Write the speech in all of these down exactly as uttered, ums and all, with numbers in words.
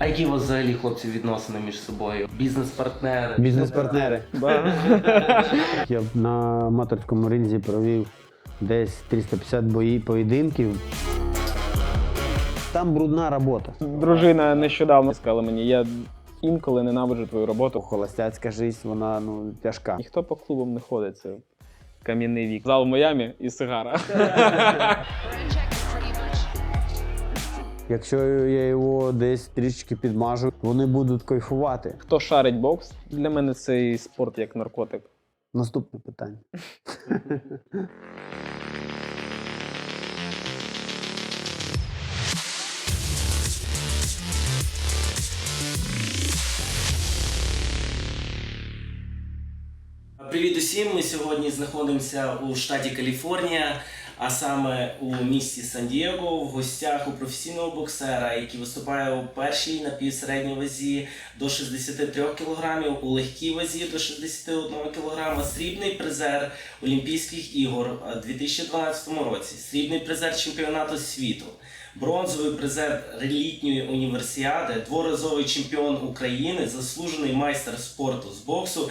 А які у вас взагалі, хлопці, відносини між собою? Бізнес-партнери? Бізнес-партнери. Я б на аматорському ринзі провів десь триста п'ятдесят бої, поєдинків. Там брудна робота. Дружина нещодавно сказала мені, я інколи ненавиджу твою роботу. Холостяцька життя, вона ну, тяжка. Ніхто по клубам не ходить, це кам'яний вік. Зал в Майамі і сигара. Якщо я його десь трішки підмажу, вони будуть кайфувати. Хто шарить бокс? Для мене цей спорт як наркотик. Наступне питання. Привіт усім! Ми сьогодні знаходимося у штаті Каліфорнія, а саме у місті Сан-Дієго, в гостях у професійного боксера, який виступає у першій напівсередній вазі до шістдесяти трьох кілограмів, у легкій вазі до шістдесяти одного кілограма, срібний призер Олімпійських ігор у дві тисячі дванадцятому році, срібний призер чемпіонату світу, бронзовий призер літньої універсіади, дворазовий чемпіон України, заслужений майстер спорту з боксу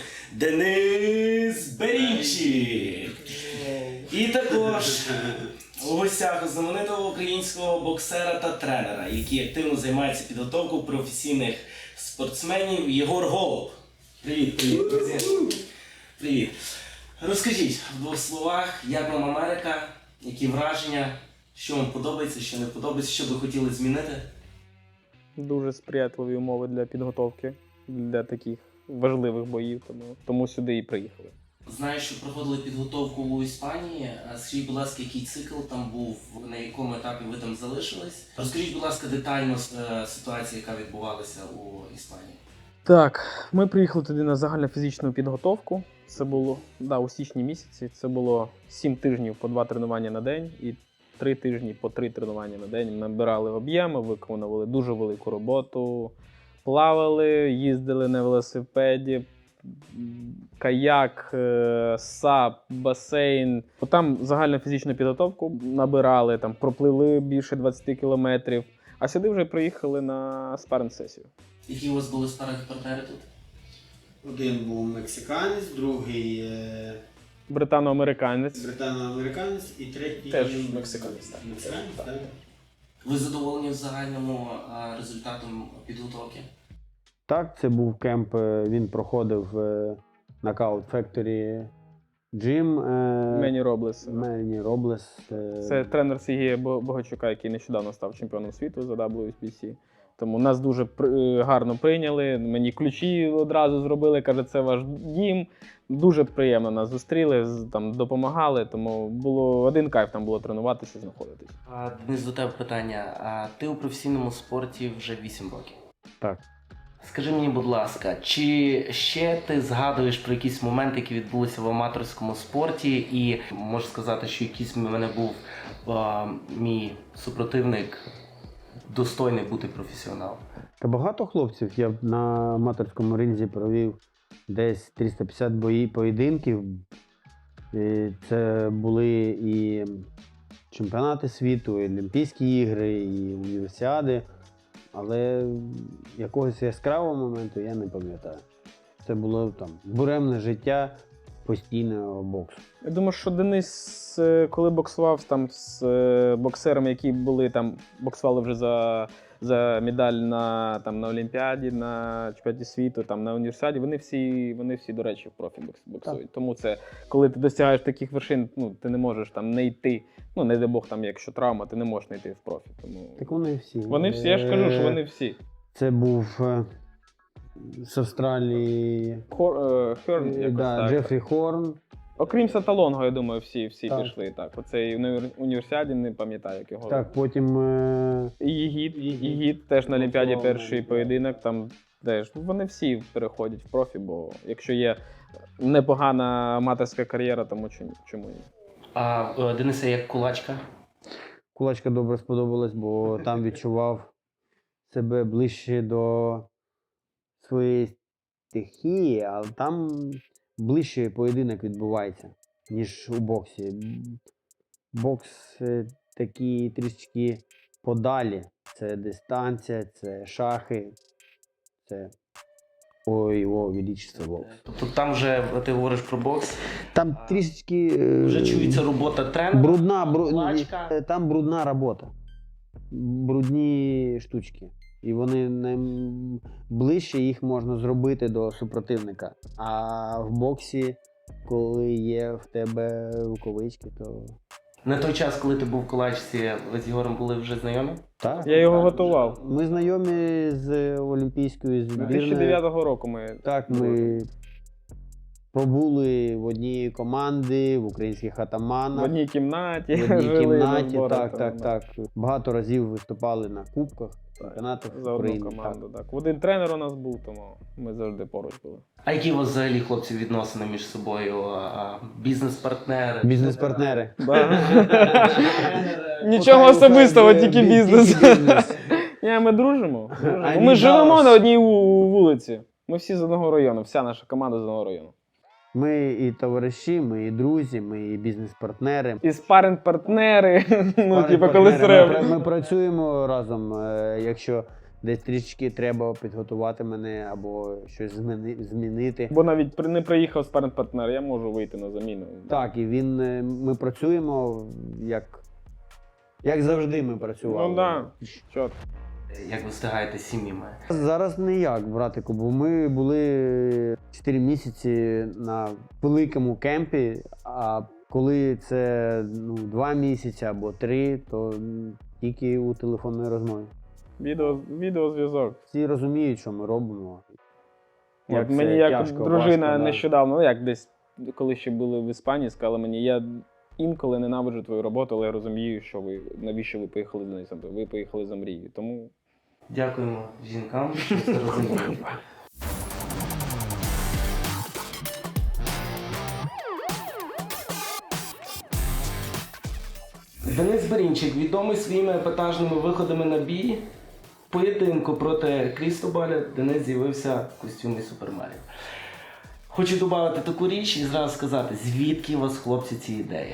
Денис Берінчик. І також у гостях знаменитого українського боксера та тренера, який активно займається підготовкою професійних спортсменів, Єгор Голуб. Привіт, привіт, друзі. Привіт. Розкажіть в двох словах, як вам Америка, які враження, що вам подобається, що не подобається, що би хотіли змінити? Дуже сприятливі умови для підготовки, для таких важливих боїв, тому, тому сюди і приїхали. Знаю, що проходили підготовку у Іспанії. Скажіть, будь ласка, який цикл там був, на якому етапі ви там залишились? Розкажіть, будь ласка, детально ситуацію, яка відбувалася у Іспанії. Так, ми приїхали туди на загальнофізичну підготовку. Це було да, у січні місяці. Це було сім тижнів по два тренування на день і три тижні по три тренування на день. Ми набирали об'єми, виконували дуже велику роботу, плавали, їздили на велосипеді, каяк, сап, басейн. Там загальну фізичну підготовку набирали, там пропливли більше двадцяти кілометрів, а сюди вже приїхали на спарринг-сесію. Які у вас були спарринг-партнери тут? Один був мексиканець, другий е... Британо-американець. британо-американець і третій Теж мексиканець, так. Мексиканець, Так. так. Ви задоволені в загальному а, результатом підготовки? Так, це був кемп, е, він проходив в Knockout Factory Gym. е, Мені Роблес. Мені Роблес. е, Це тренер Сергія Богачука, який нещодавно став чемпіоном світу за дабл ю еф бі сі. Тому нас дуже при- гарно прийняли, мені ключі одразу зробили, каже, це ваш дім. Дуже приємно нас зустріли, з- там, допомагали, тому було один кайф там було тренуватися, знаходитись. А, Денис, до тебе питання. А, ти у професійному спорті вже вісім років. Так. Скажи мені, будь ласка, чи ще ти згадуєш про якісь моменти, які відбулися в аматорському спорті, і можу сказати, що якийсь в мене був а, мій супротивник достойний бути професіоналом? Та багато хлопців. Я б на аматорському ринзі провів десь триста п'ятдесят бої, поєдинків. І це були і чемпіонати світу, і Олімпійські ігри, і універсіади. Але якогось яскравого моменту я не пам'ятаю. Це було там буремне життя постійного боксу. Я думаю, що Денис, е, коли боксував там з е, боксерами, які були там, боксували вже за, за медаль на, там, на Олімпіаді, на чемпіонаті світу, там, на універсіаді, вони всі, вони всі, до речі, в профі бокс- боксують. Так. Тому це, коли ти досягаєш таких вершин, ну, ти не можеш там не йти, ну, не дай Бог, там, якщо травма, ти не можеш не йти в профі. Тому... Так вони всі. Вони всі, я ж кажу, що вони всі. Це був е, з Австралії Хор, е, Херн, е, якось да, так. Джефрі Хорн. Окрім Саталонго, я думаю, всі, всі Так. пішли. Так. Оцей в універсіаді, не пам'ятаю, як його. Так, потім е, І Єгід, Єгід. Єгід теж на Олімпіаді Боксував, перший так. поєдинок, там теж вони всі переходять в профі, бо якщо є непогана аматорська кар'єра, тому чому, чому ні? А е, Денисе, як кулачка? кулачка добре сподобалась, бо там відчував себе ближче до своєї стихії, але там ближче поєдинок відбувається, ніж у боксі. Бокс е, такий трішечки подалі. Це дистанція, це шахи, це ой, о, величество бокс. Тобто там вже ти говориш про бокс, Там трішечки е, вже чується робота тренера. брудна, бру... лачка. е, там брудна робота. Брудні штучки. І вони найближче їх можна зробити до супротивника. А в боксі, коли є в тебе рукавички, то На той час, коли ти був в Кулачці, ви з Ігорем були вже знайомі? так. Я його готував. Ми знайомі з Олімпійською дві тисячі збірною. дев'ятого року ми Так, ми побули в одній команді, в українських в атаманах. одній кімнаті. В одній жили, кімнаті, збори так, там, так, да. так. Багато разів виступали на кубках, чемпіонатах За одну України. команду, так. Один тренер у нас був, тому ми завжди поруч були. А які у вас взагалі, хлопці, відносини між собою? А, Бізнес-партнери? Так. Бізнес-партнери. Да. Нічого особистого, тільки бізнес. Ні, ми дружимо. дружимо. А Ми ні, живемо да. на одній ву- вулиці. Ми всі з одного району, вся наша команда з одного району. Ми і товариші, ми і друзі, ми і бізнес-партнери. І спаринг-партнери, ну, типу, коли Партнери. Ми, треба. пра- ми працюємо разом. е, Якщо десь трішки треба підготувати мене або щось зміни, змінити. Бо навіть при- не приїхав спаринг-партнер, я можу вийти на заміну. Так, і він, е, ми працюємо як, як завжди ми працювали. Ну так, да. Чот. Як ви встигаєте з сім'ями? Зараз ніяк, братику, бо ми були чотири місяці на великому кемпі, а коли це ну, два місяці або три, то м, тільки у телефонній розмові. Відео, відеозв'язок. Всі розуміють, що ми робимо. От це мені як тяжко, дружина важко, да. нещодавно, ну як десь, коли ще були в Іспанії, сказала мені, я інколи ненавиджу твою роботу, але я розумію, що ви, навіщо ви поїхали за нею. Ви поїхали за мрією. Тому Дякуємо жінкам, що це розуміють. Денис Берінчик відомий своїми епатажними виходами на бій. В поєдинку проти Крістобаля Денис з'явився в костюмі Супермаріо. Хочу додати таку річ і зразу сказати, звідки у вас, хлопці, ці ідеї?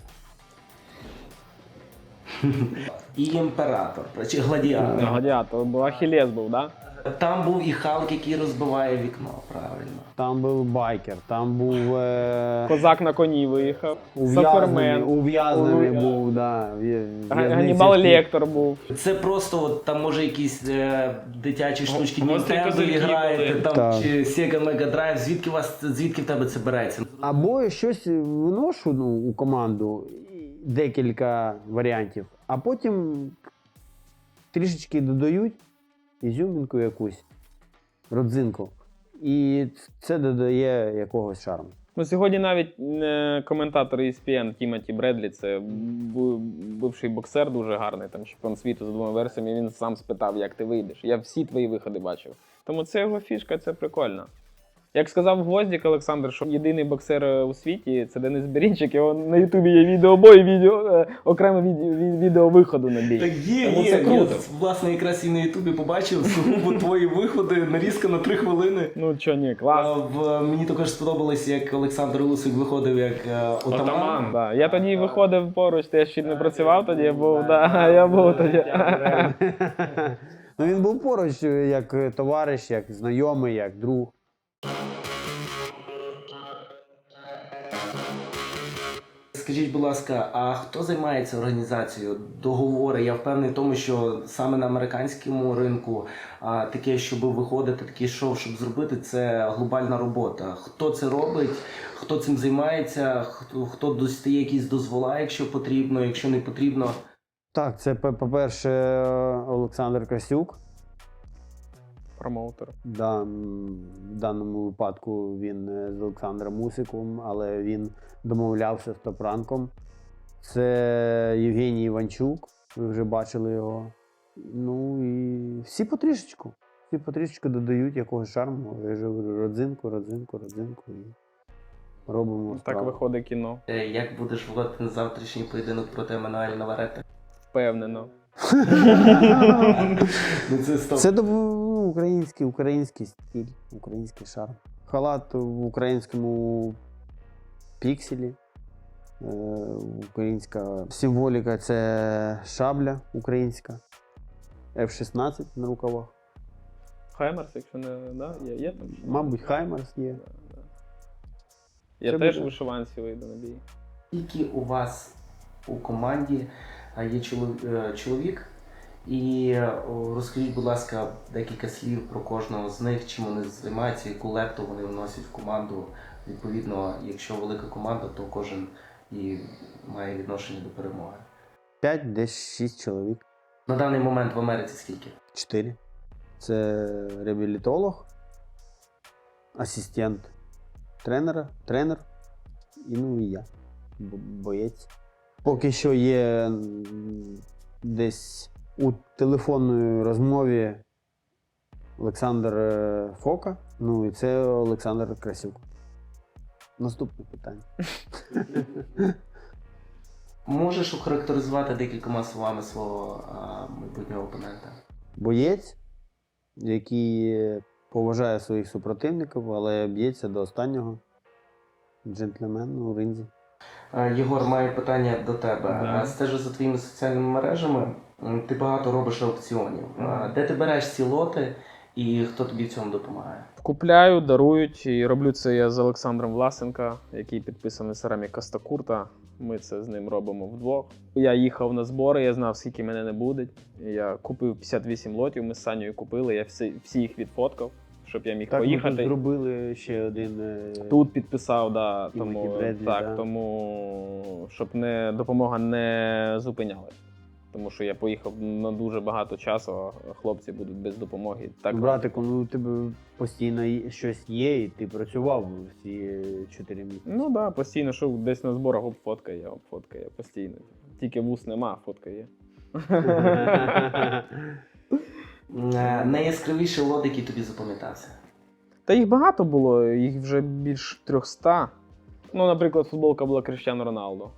І імператор, чи гладіатор. гладіатор, бо Ахілес був, так? Да? Там був і Халк, який розбиває вікно, правильно. Там був байкер, там був е... Козак на коні виїхав, ув'язнений, Супермен, ув'язнений Ув'я- був, да, в'я- в'язниці Ганнібал в Кі- Лектор був. Це просто от, там може якісь е, дитячі штучки Гострі Nintendo козирки граєте, були. там Так. чи Sega Mega Drive. Звідки у вас звідки в тебе це береться? Або щось виношу ну, у команду, декілька варіантів, а потім трішечки додають ізюмінку якусь, родзинку. І це додає якогось шарму. Ну, сьогодні навіть е, коментатор і ес пі ен Тімоті Бредлі, це бу- бивший боксер дуже гарний, там чемпіон світу з двома версіями, він сам спитав, як ти вийдеш. Я всі твої виходи бачив. Тому це його фішка, це прикольно. Як сказав Гвоздік Олександр, що єдиний боксер у світі – це Денис Берінчик, його на Ютубі є відеобой, відео, е, окреме відео, від- відео виходу на бій. Так є, Тому є. це круто. Я, власне, якраз і на Ютубі побачив сугубо твої виходи, нарізка на три хвилини. Ну чо, ні, А, клас. в, мені також сподобалось, як Олександр Лусик виходив як е, отаман. Да. Я тоді виходив поруч, я ще не працював тоді, я був, да, я був тоді. Ну, він був поруч як товариш, як знайомий, як друг. Скажіть, будь ласка, а хто займається організацією договори? Я впевнений в тому, що саме на американському ринку а, таке, щоб виходити, таке шоу, щоб зробити, це глобальна робота. Хто це робить, хто цим займається, хто, хто достає якісь дозвола, якщо потрібно, якщо не потрібно. Так, це по- по-перше Олександр Косюк. Промоутер. Да, м, в даному випадку він е, з Олександром Мусиком, але він домовлявся з Топранком. Це Євгеній Іванчук, ви вже бачили його. Ну і всі потрішечку. Всі потрішечку додають якогось шарму. Я ж говорю, родзинку, родзинку, родзинку і робимо Так справу. виходить кіно. Е, Як будеш вводити на завтрашній поєдинок проти Еммануеля Наварети? Впевнено. Ну це стоп. Це ну, український, український стиль, український шарм. Халат в українському пікселі. Е, Українська символіка це шабля українська, еф шістнадцять на рукавах. Хаймерс, якщо не да? є, є там? Мабуть, Хаймерс є. Да, да. Я Це теж буде. в вишиванці вийду на бій. Скільки у вас у команді а, є чолов- е, чоловік? І е, о, розкажіть, будь ласка, декілька слів про кожного з них, чим вони займаються, яку лепту вони вносять в команду. Відповідно, якщо велика команда, то кожен і має відношення до перемоги. П'ять, десь шість чоловік. На даний момент в Америці скільки? Чотири. Це реабілітолог, асистент тренера, тренер і ну і я, бо- боєць. Поки що є м, десь у телефонній розмові Олександр е, Фока, ну і це Олександр Красюк. Наступне питання. Можеш охарактеризувати декількома словами свого а, майбутнього опонента? Боєць, який поважає своїх супротивників, але б'ється до останнього. Джентльмен у ринзі. Е, Єгор, маю питання до тебе. Да. Е, Стежу за твоїми соціальними мережами. М, Ти багато робиш аукціонів. Е, Де ти береш ці лоти і хто тобі в цьому допомагає? Купляю, дарують, і роблю це я з Олександром Власенка, який підписаний Сарамі Костакурта. Ми це з ним робимо вдвох. Я їхав на збори, я знав, скільки мене не буде. Я купив п'ятдесят вісім лотів, ми з Санєю купили, я всі, всі їх відфоткав, щоб я міг Так, ми поїхати. тут зробили ще один. е, Тут підписав, да, Тімоті тому, Бредлі, так, да. тому щоб не, допомога не зупиняли. Тому що я поїхав на дуже багато часу, а хлопці будуть без допомоги. Так, Братику, ну у тебе постійно є- щось є, і ти працював ці чотири місяці. Ну так, да, постійно, що десь на зборах оп, фотка є, оп, фотка є, постійно. Тільки вус нема, а фотка є. Е, Найяскравіший лот, який тобі запам'ятався? Та їх багато було, їх вже більш трьохсот. Ну, наприклад, футболка була Кріштіану Роналдо.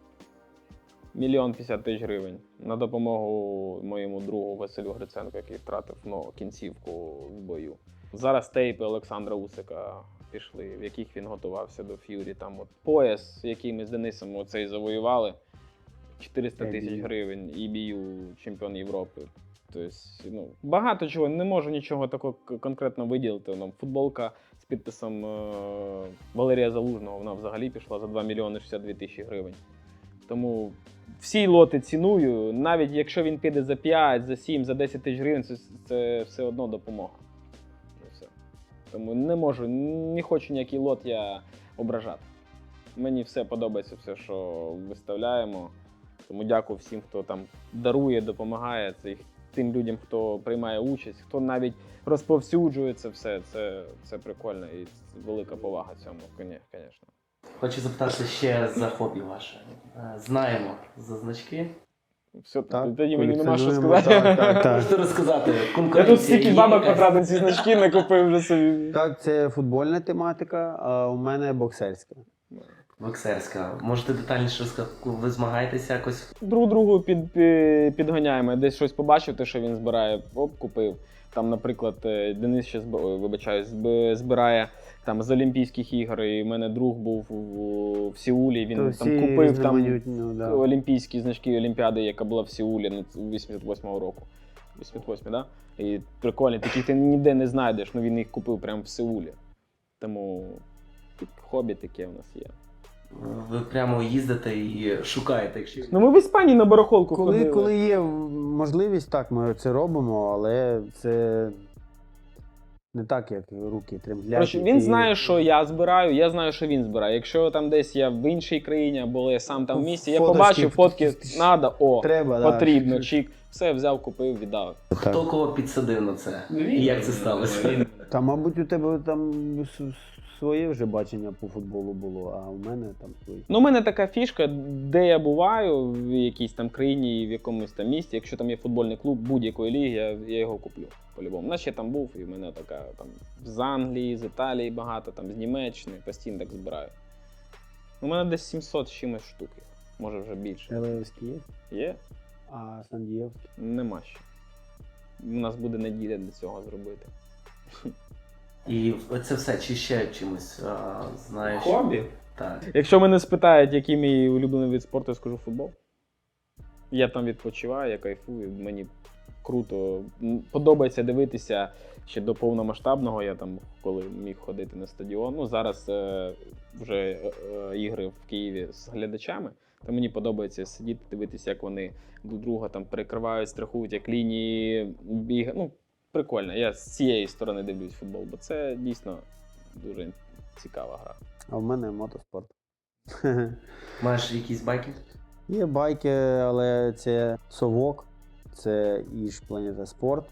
Мільйон п'ятдесят тисяч гривень. На допомогу моєму другу Василю Гриценку, який втратив ну, кінцівку в бою. Зараз тейпи Олександра Усика пішли, в яких він готувався до Ф'юрі. Там от пояс, який ми з Денисом оцей завоювали, чотириста тисяч гривень, і бію чемпіон Європи. Тобто, ну, багато чого, не можу нічого такого к- конкретно виділити. Ну, футболка з підписом е- Валерія Залужного, вона взагалі пішла за два мільйони шістдесят дві тисячі гривень. Тому всі лоти ціную, навіть якщо він піде за п'ять, за сім, за десять тисяч гривень, це, це все одно допомога. І все. Тому не можу, не хочу ніякий лот я ображати. Мені все подобається, все, що виставляємо. Тому дякую всім, хто там дарує, допомагає. Це їх- тим людям, хто приймає участь, хто навіть розповсюджує це все. Це, це прикольно і велика повага цьому, звісно. Хочу запитати ще за хобі ваше. Е, Знаємо за значки. Все, Так, тоді мені нема що колекціонуємо, сказати. так, так, так. Можете розказати, Я конкуренція тут стільки є бабок якась? потратив, ці значки не купив вже собі. Так, це футбольна тематика, а у мене боксерська. Боксерська. Можете детальніше розказати, ви змагаєтеся якось? Друг другу під, під, підганяємо. Десь щось побачив, те, що він збирає, оп, купив. Там, наприклад, е, Денис ще зб... ой, вибачаюсь, зб- збирає там з Олімпійських ігор, і в мене друг був в, в Сеулі, він То там всі купив там різноманітні, ну, да. олімпійські значки Олімпіади, яка була в Сеулі ну, вісімдесят восьмого року. вісімдесят восьмий, да? І прикольні, таких ти ніде не знайдеш, ну він їх купив прямо в Сеулі. Тому хобі таке в нас є. Ви прямо їздите і шукаєте, якщо... Ну ми в Іспанії на барахолку Коли, ходили. коли є можливість, так, ми це робимо, але це не так, як руки тремблять. Коротше, він і- знає, що я збираю, я знаю, що він збирає. Якщо там десь я в іншій країні, або я сам там в місті, я Фоточки, побачив фотки, фотки. надо, о, Треба, да. потрібно, чик, все взяв, купив, віддав. Хто кого підсадив на це? І як це сталося? Та, мабуть, у тебе там с- с- своє вже бачення по футболу було, а у мене там своє. Ну, у мене така фішка, де я буваю, в якійсь там країні, в якомусь там місті, якщо там є футбольний клуб будь-якої ліги, я, я його куплю. По-любому. У нас ще там був, і в мене така там з Англії, з Італії багато, там з Німеччини, постійно так збираю. У мене десь сімсот з чимось штук, їх, може вже більше. Елевський є, Є? а Сандієвський. Нема ще. У нас буде неділя для цього зробити. І це все, чи ще чимось а, знаєш? Хобі? Так. Якщо мене спитають, який мій улюблений вид спорту, я скажу футбол. Я там відпочиваю, я кайфую, мені круто. М, Подобається дивитися ще до повномасштабного, я там коли міг ходити на стадіон. Ну, зараз е, вже е, е, ігри в Києві з глядачами, то мені подобається сидіти, дивитися, як вони друг друга там перекривають, страхують, як лінії бігають. Ну, прикольно. Я з цієї сторони дивлюсь футбол, бо це дійсно дуже цікава гра. А в мене мотоспорт. Маєш якісь байки? Є байки, але це совок, це Іж Планета Спорт.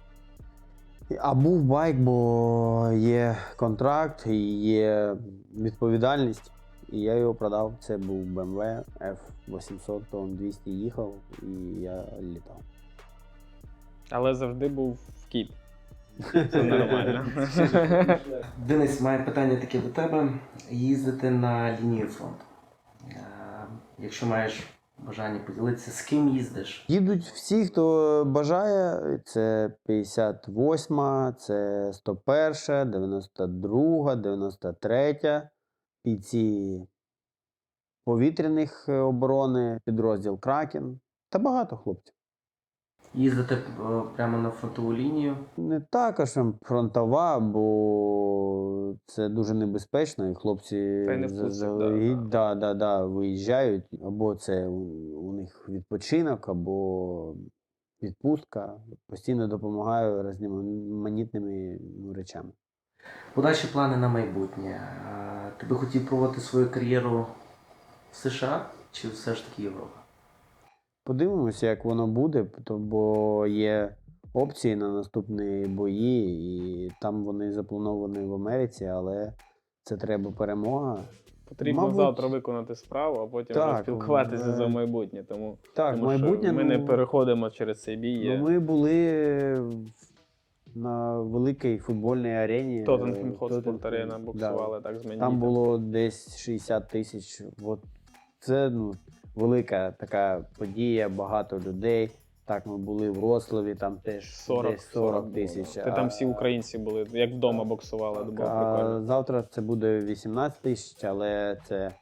А був байк, бо є контракт і є відповідальність. І я його продав. Це був Б М В Ф вісімсот, то він двісті їхав і я літав. Але завжди був в кіт. Це нормально. Денис, має питання таке до тебе. Їздити на лінію фронту. Е, Якщо маєш бажання поділитися, з ким їздиш? Їдуть всі, хто бажає. Це п'ятдесят восьма, це сто перша, дев'яносто друга, дев'яносто третя. Бійці повітряних оборони, підрозділ Кракен та багато хлопців. Їздити е, прямо на фронтову лінію. Не також фронтова, бо це дуже небезпечно, і хлопці Та й не за- впустять, заздалегідь, да, да, да, да, виїжджають, або це у, у них відпочинок, або відпустка. Постійно допомагаю різноманітними ну, речами. Подальші плани на майбутнє. Е, Ти би хотів проводити свою кар'єру в США чи все ж таки Європа? Подивимося, як воно буде, то- бо є опції на наступні бої, і там вони заплановані в Америці, але це треба перемога. Потрібно Мабуть, завтра виконати справу, а потім так, вже спілкуватися е, за майбутнє. Тому, Так, тому майбутнє. що ми не ну, переходимо через цей бій. ну, Є ми були на великій футбольній арені. Тоттенхем е, Хотспур Тоттенхем, Арена да. боксували так з мені. Там було десь шістдесят тисяч. От це ну, велика така подія, багато людей. Так, ми були в Вроцлаві, там теж сорок, десь сорок тисяч. Та там всі українці були, як вдома боксували, Так, було прикольно. а завтра це буде вісімнадцять тисяч, але це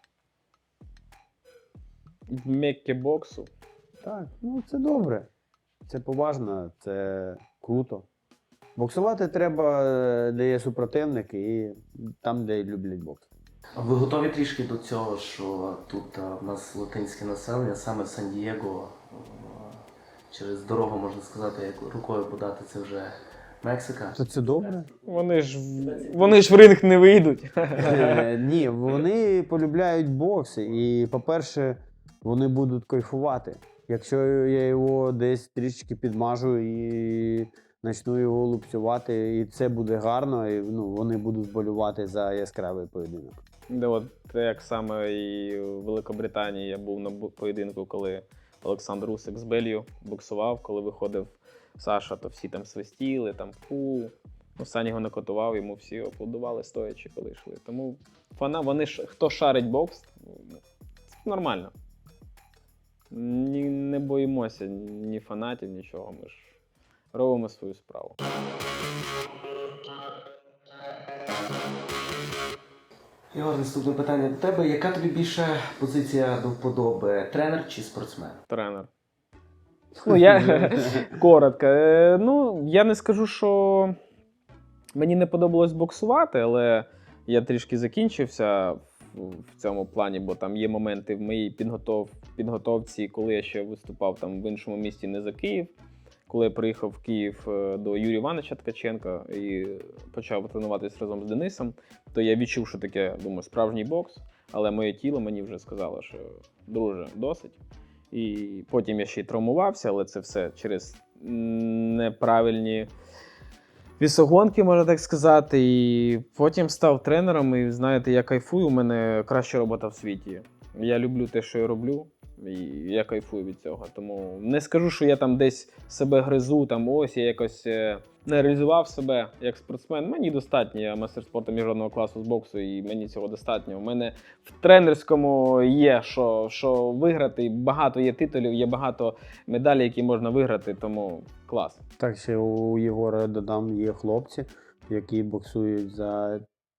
В Меккі боксу. так, ну це добре. Це поважно, це круто. Боксувати треба, е, де є супротивник, і там, де люблять бокс. Ви готові трішки до цього, що тут е, в нас латинське населення, саме в Сан-Дієго, е, через дорогу, можна сказати, як рукою подати, це вже Мексика. То це добре? Вони ж, в- вони ж в ринг не вийдуть. Е, Ні, вони полюбляють бокс, і, по-перше, вони будуть кайфувати. Якщо я його десь трішки підмажу і почну його лупцювати, і це буде гарно, і ну, вони будуть вболювати за яскравий поєдинок. Де от як саме і в Великобританії я був на бу- поєдинку, коли Олександр Усик з Белью боксував, коли виходив Саша, то всі там свистіли, там фу. Ну, Сань його не котував, йому всі аплодували стоячи, коли йшли. Тому фана, вони ж, хто шарить бокс, ну, це нормально. Ні, не боїмося ні фанатів, нічого. Ми ж робимо свою справу. Ігор, наступне питання до тебе. Яка тобі більше позиція до вподоби? Тренер чи спортсмен? Тренер. Ну, я коротко. Е, Ну, я не скажу, що мені не подобалось боксувати, але я трішки закінчився в- в цьому плані, бо там є моменти в моїй підготов... підготовці, коли я ще виступав там в іншому місті, не за Київ. Коли я приїхав в Київ е, до Юрія Івановича Ткаченка і почав тренуватися разом з Денисом, то я відчув, що таке, думаю, справжній бокс, але моє тіло мені вже сказало, що друже, досить. І потім я ще й травмувався, але це все через неправильні вісогонки, можна так сказати. І потім став тренером, і знаєте, я кайфую, у мене краща робота в світі. Я люблю те, що я роблю, і я кайфую від цього. Тому не скажу, що я там десь себе гризу, там ось я якось е, не реалізував себе як спортсмен. Мені достатньо, я мастер спорту міжнародного класу з боксу, і мені цього достатньо. У мене в тренерському є що, що виграти, багато є титулів, є багато медалей, які можна виграти, тому клас. Так, ще у Єгора додам, є хлопці, які боксують за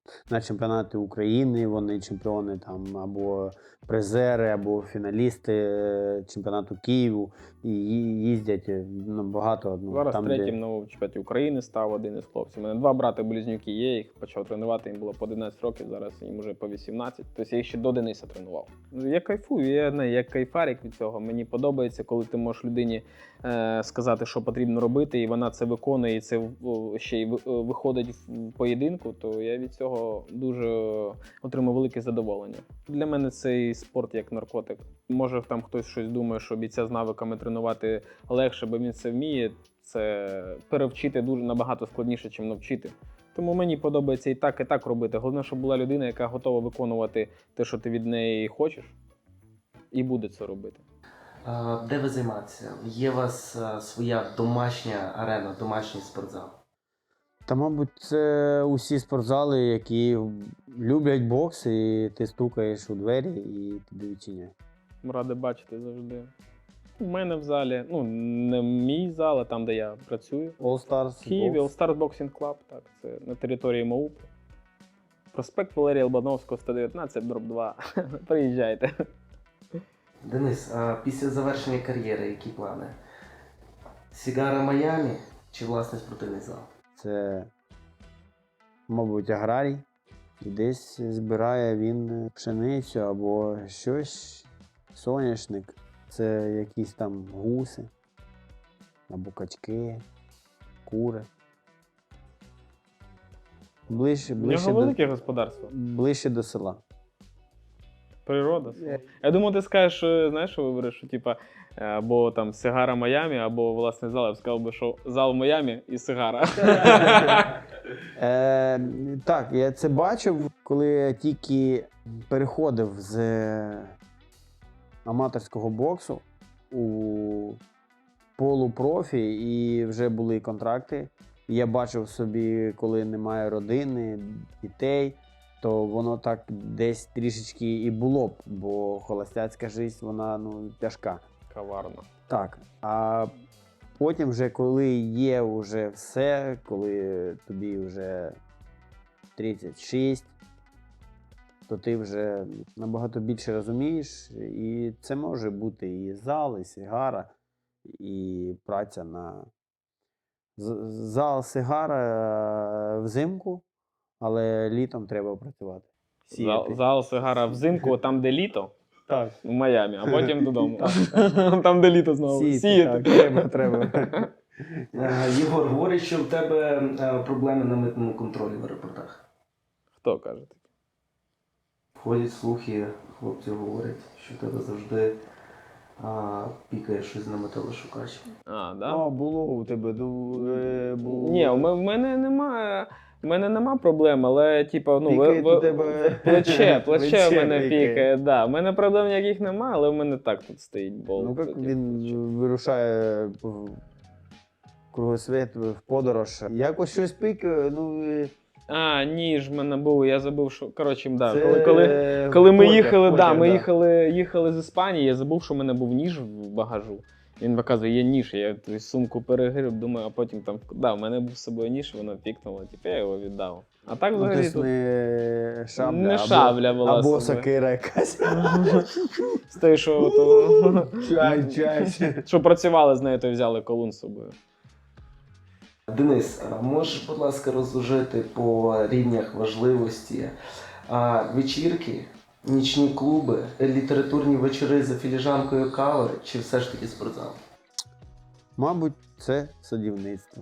на чемпіонати України, вони чемпіони там або призери, або фіналісти е, чемпіонату Києву і ї- їздять е, ну, багато. Ну, Зараз там, третім де... на чемпіонаті України став один із хлопців. У мене два брати-близнюки є, їх почав тренувати, їм було по одинадцять років, зараз їм вже по вісімнадцять. Тобто я їх ще до Дениса тренував. Я кайфую, я, не, я кайфарик від цього. Мені подобається, коли ти можеш людині е, сказати, що потрібно робити, і вона це виконує, і це о, ще й ви- виходить в поєдинку, то я від цього дуже отримую велике задоволення. Для мене цей спорт як наркотик. Може там хтось щось думає, що бійця з навиками тренувати легше, бо він це вміє. Це перевчити дуже набагато складніше, ніж навчити. Тому мені подобається і так, і так робити. Головне, щоб була людина, яка готова виконувати те, що ти від неї хочеш, і буде це робити. А, Де ви займаєтеся? Є у вас а, своя домашня арена, домашній спортзал? Та, мабуть, це усі спортзали, які люблять бокс, і ти стукаєш у двері і тобі відчиняють. Радий бачити завжди. У мене в залі, ну, не мій зал, а там, де я працюю. All Stars В Києві Box. All Stars Boxing Club, так, це на території МАУП. Проспект Валерія Лобановського, сто дев'ятнадцять, дроб два. Приїжджайте. Денис, а після завершення кар'єри які плани? Сігара Майамі чи власний спортивний зал? Це, мабуть, аграрій. І десь збирає він пшеницю або щось, соняшник. Це якісь там гуси, або качки, кури. Ближче, У ближче, нього до, велике господарство. ближче до села. Природа. Я думаю, ти скажеш, що, знаєш, що вибереш, що типа або там Сигара Майамі, або власний зал. Я б сказав би, що зал Майамі і Сигара. Е, так, я це бачив, коли я тільки переходив з аматорського боксу у полупрофі і вже були контракти. Я бачив собі, коли немає родини, дітей, то воно так десь трішечки і було б, бо холостяцька життя, вона ну, тяжка. Каварно. Так. А потім, вже, коли є вже все, коли тобі вже тридцять шість, то ти вже набагато більше розумієш, і це може бути і зал, і сигара, і праця на З- зал, сигара взимку, але літом треба працювати. Зал, Сіяти. зал Сигара взимку, там, де літо, Так. в Майамі, а потім додому. Там, де літо знову. Сіяти, Сіяти. так, треба, треба. Е, Єгор, говорить, що в тебе е, проблеми на митному контролі в аеропортах. Хто каже таке? Ходять слухи, хлопці говорять, що в тебе завжди а, пікає щось на металошукач. А, да? А, було у тебе, ну, е, було. Ні, в ме- в мене немає. В мене нема проблем, але типу, ну, Пікає ви, у тебе плече, плече в плече мене пікає. пікає, да. У мене проблем ніяких немає, але в мене так тут стоїть болт. Ну, як Типу, він плече. вирушає в кругосвіт, в подорож. Якось щось пікає, ну, і А, ніж в мене був, я забув, що. Коротше, да. це Коли, коли, коли ми потяг, їхали, потяг, да, ми їхали, їхали з Іспанії, я забув, що в мене був ніж в багажу. Він показує, є ніж, я ту сумку перегріб, думаю, а потім там, да, в мене був з собою ніж, воно пікнуло, типу я його віддав. А так Ну, взагалі тобто тут не шабля, не або, шабля була або з собою. сокира якась. З тої, що, ото, Чай, чай. що працювали з нею, то взяли колун з собою. Денис, а можеш, будь ласка, розложити по рівнях важливості а, вечірки, нічні клуби, літературні вечори за філіжанкою кави чи все ж таки спортзал? Мабуть, це садівництво.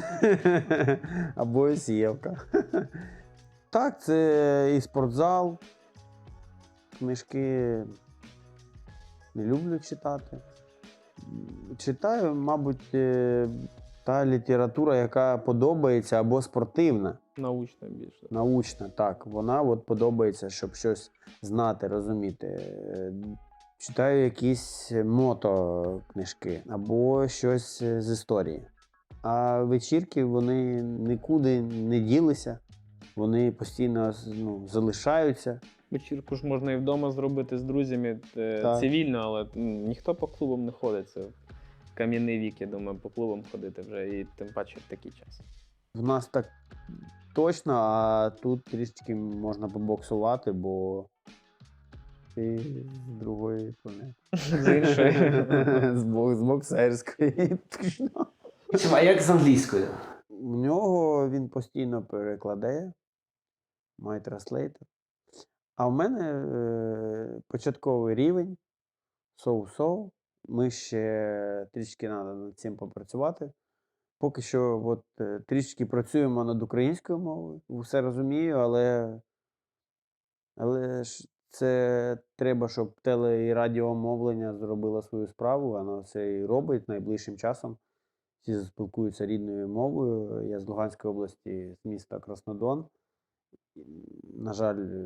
Або сіявка. Так, це і спортзал. Книжки не люблю читати. Читаю, мабуть, е, та література, яка подобається, або спортивна, Научно більше. научна. Так, вона от подобається, щоб щось знати, розуміти. Е, Читаю якісь мотокнижки або щось з історії. А вечірки, вони нікуди не ділися, вони постійно ну, залишаються. Вечірку ж можна і вдома зробити з друзями е, Так. цивільно, але м, ніхто по клубам не ходить. Це кам'яний вік, я думаю, по клубам ходити вже і тим паче в такий час. В нас так точно, а тут трішечки можна побоксувати, бо ти з другої планети. З іншої. З бок- з боксерської. Точно. А як з англійською? У нього він постійно перекладає, має транслейтер. А в мене е, початковий рівень, соу-соу. Ми ще трішки треба над цим попрацювати. Поки що от, е, трішки працюємо над українською мовою, все розумію, але, але ж це треба, щоб теле- і радіомовлення зробило свою справу, воно це і робить найближчим часом. Всі спілкуються рідною мовою. Я з Луганської області, з міста Краснодон. На жаль, е,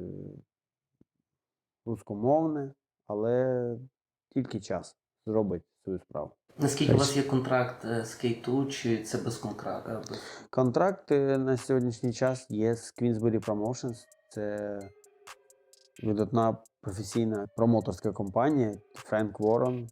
рускомовне, але тільки час зробить свою справу. Наскільки у вас є контракт е, з кей ту, чи це без контракту? Контракт е, на сьогоднішній час є з Queensberry Promotions. Це видатна професійна промоторська компанія Френк Ворон.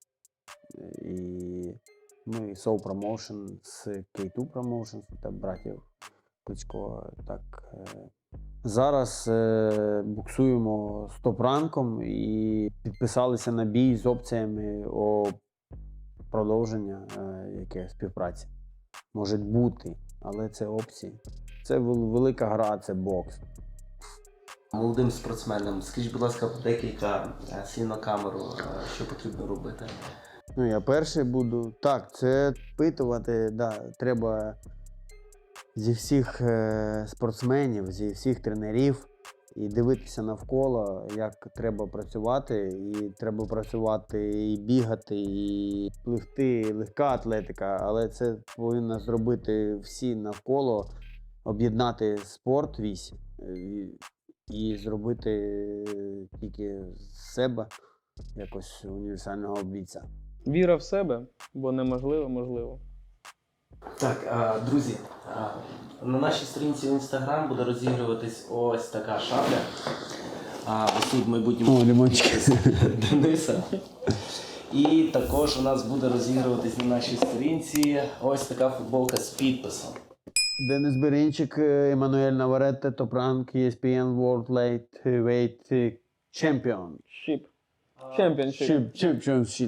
І ми Soul Promotion з кей ту Promotions та братів Кличко. Так, е, зараз е, буксуємо з топ-ранком і підписалися на бій з опціями о продовження е, яке співпраці. Може бути, але це опції. Це вел- велика гра, це бокс. Молодим спортсменам, скажіть, будь ласка, декілька е, слів на камеру, е, що потрібно робити. Ну, я перший буду. Так, це впитувати, да, треба зі всіх е, спортсменів, зі всіх тренерів і дивитися навколо, як треба працювати. І треба працювати і бігати, і пливти, легка атлетика, але це повинно зробити всі навколо, об'єднати спорт весь і, і зробити тільки з себе якось універсального бійця. Віра в себе, бо неможливо, можливо. Так, а, друзі, а, на нашій сторінці в Інстаграм буде розігруватись ось така шабля. А, ось тут в майбутньому О, лимончики. Дениса. І також у нас буде розігруватись на нашій сторінці ось така футболка з підписом. Денис Берінчик, Еммануель Наваретте, топ-ранк, і ес пі ен World Lightweight Champion. Шіп. Чемпіоншип. Championship.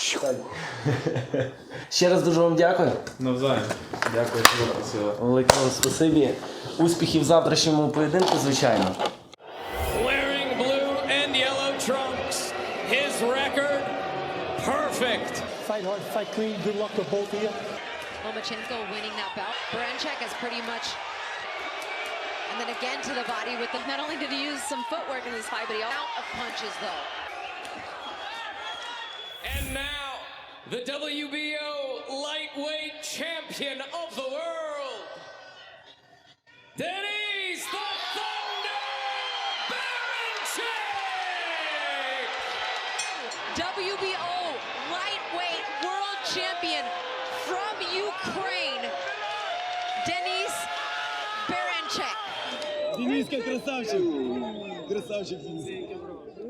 Ще раз дуже вам дякую. Навзаєм. Дякую, що запросили. Велике вам спасибі. Успіхів в завтрашньому поєдинку, звичайно. Wearing blue and yellow trunks. His record, perfect. Fight hard, fight clean. Good luck to both of you. Lomachenko winning that bout. Baranchek has pretty much, and then again to the body with the, not only did he use some footwork in this fight, but he out of punches though. And now, the W B O lightweight champion of the world, Denys the Thunder Baranchek! W B O lightweight world champion from Ukraine, Denys Baranchek. Дениска красавчик. Красавчик, Денис.